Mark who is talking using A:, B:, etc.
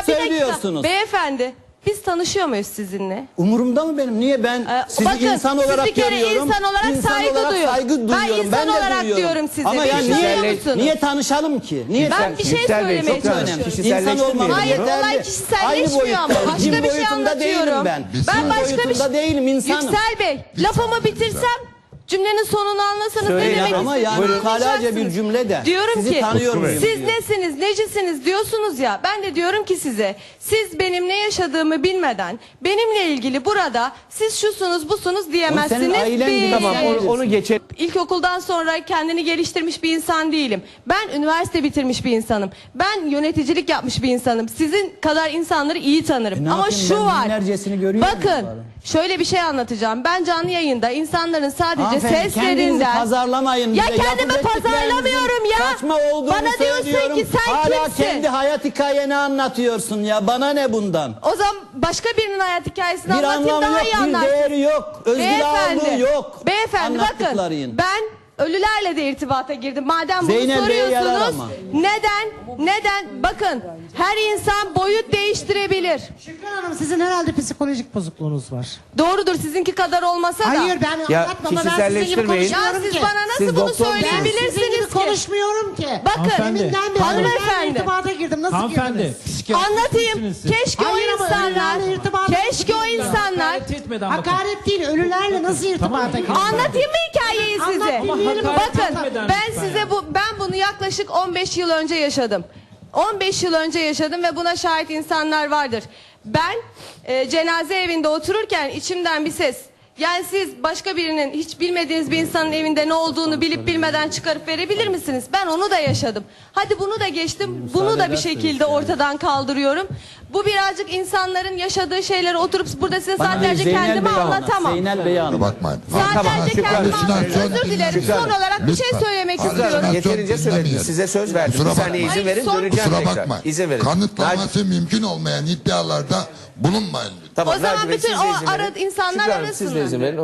A: bir dakika.
B: söylüyorsunuz.
A: Beyefendi, biz tanışıyor muyuz sizinle?
B: Umurumda mı benim? Niye ben sizi
A: Bakın,
B: insan olarak
A: sizi bir kere
B: görüyorum?
A: insan olarak saygı duyuyorum. Ben insan
B: de
A: olarak
B: duyuyorum.
A: diyorum size.
B: Ama
A: Beni
B: yani
A: görüyor
B: niye,
A: musunuz?
B: niye tanışalım ki? Niye
A: Ben bir şey
C: Yüksel Bey,
A: söylemeye
C: çok önemli.
A: çalışıyorum.
B: İnsan olmam
A: Hayır,
B: yeterli.
A: olay kişiselleşmiyor ama.
B: boyutta,
A: Başka
B: cin
A: bir şey
B: boyutunda değilim
A: anlatıyorum.
B: ben.
A: Ben
B: Cin
A: başka bir
B: boyutunda
A: şey...
B: değilim, insanım.
A: Yüksel Bey, lafımı bitirsem... Cümlenin sonunu anlasanız
C: Söyleyin
A: ne demek
B: ama
A: istediğimi
B: yani ukalaca bir
A: anlayacaksınız.
B: cümle de.
A: Diyorum
B: Sizi
A: ki
B: tanıyor muyum
A: siz
B: diyor.
A: nesiniz, necisiniz diyorsunuz ya. Ben de diyorum ki size, siz benim ne yaşadığımı bilmeden benimle ilgili burada siz şusunuz busunuz diyemezsiniz.
B: O senin ailen gibi.
C: Tamam, onu geçelim.
A: İlkokuldan sonra kendini geliştirmiş bir insan değilim. Ben üniversite bitirmiş bir insanım. Ben yöneticilik yapmış bir insanım. Sizin kadar insanları iyi tanırım.
B: Ne
A: Ama
B: yapayım,
A: şu
B: ben
A: var.
B: binlercesini görüyorum
A: Bakın,
B: bari.
A: şöyle bir şey anlatacağım. Ben canlı yayında insanların sadece
B: Hanımefendi, kendinizi
A: seslerinden...
B: pazarlamayın.
A: Ya
B: bize.
A: kendimi
B: Yapacak
A: pazarlamıyorum ya.
B: Saçma olduğunu
A: Bana diyorsun
B: söylüyorum.
A: ki sen
B: Hala
A: kimsin?
B: kendi hayat hikayeni anlatıyorsun ya. Bana ne bundan?
A: O zaman başka birinin hayat hikayesini
B: Bir
A: anlatayım,
B: anlamı
A: daha
B: yok,
A: iyi
B: bir
A: anlarsın.
B: değeri yok. Özgür ağırlığı yok.
A: Beyefendi bakın,
B: Anlattıkların.
A: ben ölülerle de irtibata girdim. Madem bunu
B: Zeynep Bey'e yarar
A: soruyorsunuz,
B: ama.
A: neden? Bakın, her insan boyut değiştirebilir.
D: Şükran Hanım, sizin herhalde psikolojik bozukluğunuz var.
A: Doğrudur, sizinki kadar olmasa da.
D: Hayır, ben
C: Ya,
D: anlatmam ama ben sizin gibi
C: kişiselleştirmeyin.
A: Ya
D: konuşmuyorum
A: siz
D: ki.
A: bana nasıl
C: Siz
A: bunu
C: doktor-
D: Ben sizin
A: söyleyebilirsiniz
D: gibi
A: ki?
D: konuşmuyorum ki.
A: Bakın,
E: Hanımefendi.
D: Deminden beri
A: Hanımefendi.
D: ölülerle irtibata girdim. Nasıl
E: Hanımefendi,
D: girdiniz?
E: psikiyatrist
A: Anlatayım.
E: misiniz siz?
A: Keşke
D: Hayır
A: o
D: ama
A: insanlar,
D: ölülerle irtibata
A: keşke o insanlar.
E: Hakaret etmeden bakın.
D: Hakaret değil, ölülerle nasıl irtibata girdiniz?
A: Anlatayım mı hikayeyi size?
D: Anlat, dinleyelim. Ama
E: hakaret
A: Bakın,
E: etmeden
A: ben
E: lütfen
A: size
E: ya.
A: ben bunu yaklaşık 15 yıl önce yaşadım. 15 yıl önce yaşadım ve buna şahit insanlar vardır. Ben cenaze evinde otururken içimden bir ses, yani siz başka birinin, hiç bilmediğiniz bir insanın evinde ne olduğunu bilip bilmeden çıkarıp verebilir misiniz? Ben onu da yaşadım. Hadi bunu da geçtim. Bunu da bir şekilde ortadan kaldırıyorum. Bu birazcık insanların yaşadığı şeyleri oturup burada size
B: Bana
A: saatlerce
B: Zeynel
A: kendimi
B: Bey'e anlat,
A: anlatamam.
B: Zeynel Bey'e anlat.
F: Bakmayın.
A: Saatlerce
C: Şükran
A: kendimi
C: Hanım,
A: anlatamam. Özür dilerim. Son olarak bir şey söylemek istiyorum.
C: Yeterince söylediniz. Size söz verdim.
F: Kusura
C: Bir saniye
F: bakmayın.
C: izin verin,
A: Hayır, son-
C: döneceğim
F: Kusura
C: tekrar.
F: bakmayın.
C: İzin verin.
F: Kanıtlaması mümkün olmayan iddialarda bulunmayın lütfen.
C: Tamam,
A: O zaman
C: Naci Bey,
A: bütün
C: siz de
A: o
C: izin verin.
A: insanlar
C: Şükran Hanım, siz de
A: arasınlar.
C: izin verin.